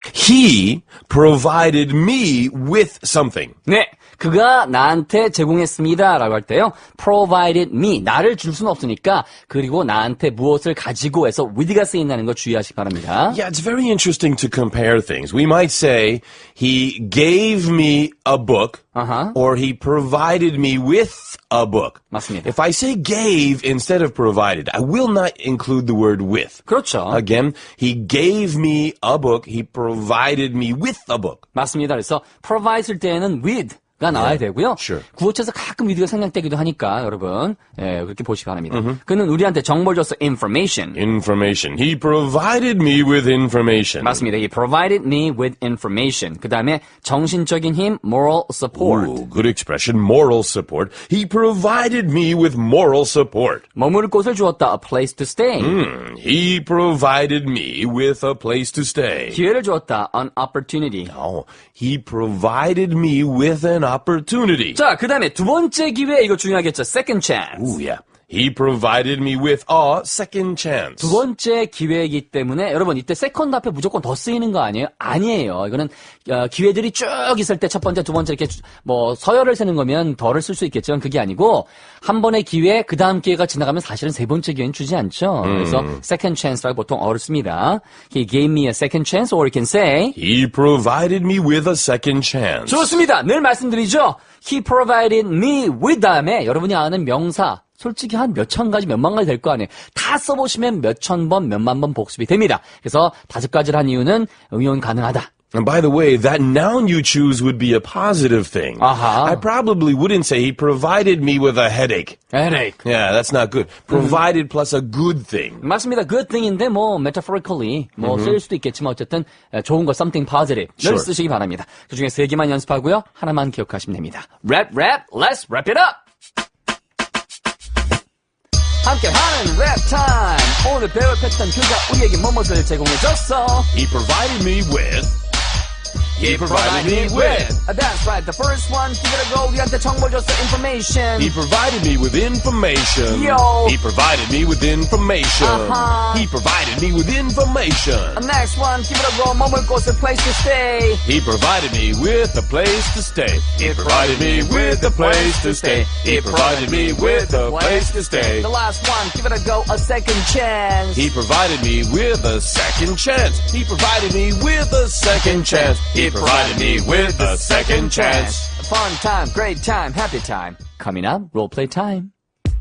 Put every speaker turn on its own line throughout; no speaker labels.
He provided me with something.
네, 그가 나한테 제공했습니다 라고 할 때요, provided me, 나를 줄 수는 없으니까, 그리고 나한테 무엇을 가지고 해서 with가 쓰인다는 거 주의하시기 바랍니다.
Yeah, it's very interesting to compare things. We might say, he gave me a book, or he provided me with a book.
맞습니다.
If I say gave instead of provided, I will not include the word with.
그렇죠.
Again, he gave me a book, he provided me with a book.
맞습니다. 그래서 provide 쓸 때에는 with 가 나와야 되고요.
Sure.
구어체에서 가끔 with가 생략되기도 하니까 여러분 그렇게 보시기 바랍니다. 그는 우리한테 정보를 줬어. information.
Information. He provided me with information.
맞습니다. He provided me with information. 그 다음에 정신적인 힘, moral support.
Ooh, good expression. Moral support. He provided me with moral support.
머무를 곳을 주었다. a place to stay.
He provided me with a place to stay.
기회를 주었다. an opportunity.
Oh, he provided me with an opportunity.
자, 그 다음에 두 번째 기회, 이거 중요하겠죠. second chance.
Ooh, yeah. He provided me with a second chance.
두 번째 기회이기 때문에 여러분 이때 세컨드 앞에 무조건 더 쓰이는 거 아니에요? 아니에요. 이거는 기회들이 쭉 있을 때 첫 번째, 두 번째 이렇게 뭐 서열을 세는 거면 더를 쓸 수 있겠지만 그게 아니고 한 번의 기회, 그 다음 기회가 지나가면 사실은 세 번째 기회는 주지 않죠. 그래서 second chance라고 보통 어렵습니다. He gave me a second chance, or you can say
He provided me with a second chance.
좋습니다. 늘 말씀드리죠. He provided me with 다음에 여러분이 아는 명사 솔직히 한 몇천 가지, 몇만 가지 될 거 아니에요. 다 써보시면 몇천 번, 몇만 번 복습이 됩니다. 그래서 5가지를 한 이유는 응용 가능하다.
And by the way, that noun you choose would be a positive thing.
Uh-huh.
I probably wouldn't say he provided me with a headache.
Headache.
Yeah, that's not good. Provided plus a good thing.
맞습니다. good thing인데 뭐 metaphorically 뭐 쓰일 수도 있겠지만 어쨌든 좋은 거 something positive 늘
Sure.
쓰시기 바랍니다. 그중에 3개만 연습하고요. 하나만 기억하시면 됩니다. Rap, let's wrap it up! 함께하는 랩 타임. 오늘 배울 패턴 그가 우리에게 무엇을 제공해줬어?
He provided me with. He provided me with.
That's right. The first one, give it a go. 우리한테 정보를 줬어. Information.
He provided me with information.
Yo.
He provided me with information.
Uh-huh.
He provided me with information.
Next one, give it a go. 머물 곳을 place to stay.
He provided me with a place to stay. He provided me with a place to stay. He provided me with a place to stay.
The last one, give it a go. A second chance.
He provided me with a second chance. He provided me with a second chance. He provided me with a second chance.
Fun time, great time, happy time. Coming up, role play time.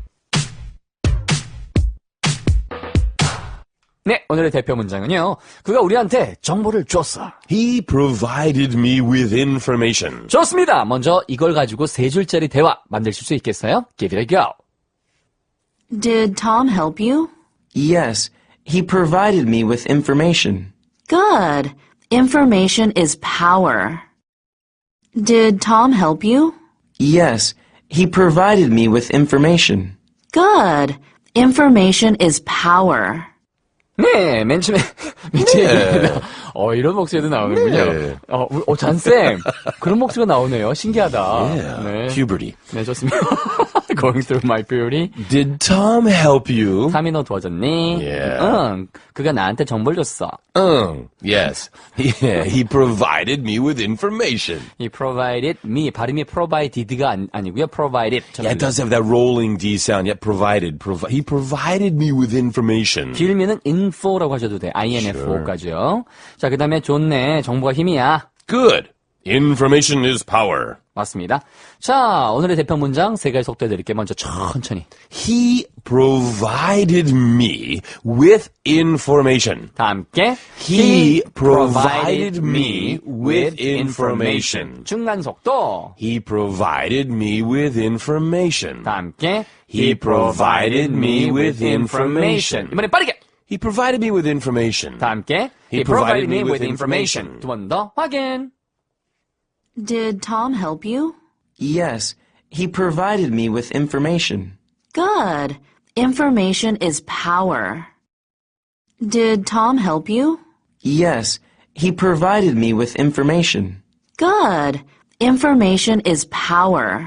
네, 오늘의 대표 문장은요. 그가 우리한테 정보를 줬어.
He provided me with information.
좋습니다. 먼저 이걸 가지고 3줄짜리 대화 만드실 수 있겠어요? Give it a go.
Did Tom help you?
Yes, he provided me with information.
Good. Information is power. Did Tom help you?
Yes, he provided me with information.
Good. Information is power.
네, 맨 처음에 얘기입니다. 이런 목소리도 나오는군요.
네.
잔쌤, 그런 목소리가 나오네요. 신기하다.
Yeah.
네.
Puberty.
네, 좋습니다. Going through my puberty.
Did Tom help you?
탐이 너 도와줬니?
Yeah.
응, 그가 나한테 정보를 줬어.
Yes. Yeah, he provided me with information.
He provided me. 발음이 provided가 아니고요. provided.
Yeah, it does have that rolling D sound. Yeah, provided. He provided me with information.
길면은 info라고 하셔도 돼. INFO까지요. 자, 그 다음에 좋네. 정보가 힘이야.
Good. Information is power.
맞습니다. 자, 오늘의 대표 문장 3가지 속도해 드릴게요. 먼저 천천히.
He provided me with information.
다 함께.
He provided me with information.
중간 속도.
He provided me with information.
다 함께.
He provided me with information.
이번에 빠르게.
He provided me with information.
다 함께.
He provided me with information.
두 번 더 확인.
Did Tom help you?
Yes, he provided me with information.
Good. Information is power. Did Tom help you?
Yes, he provided me with information.
Good. Information is power.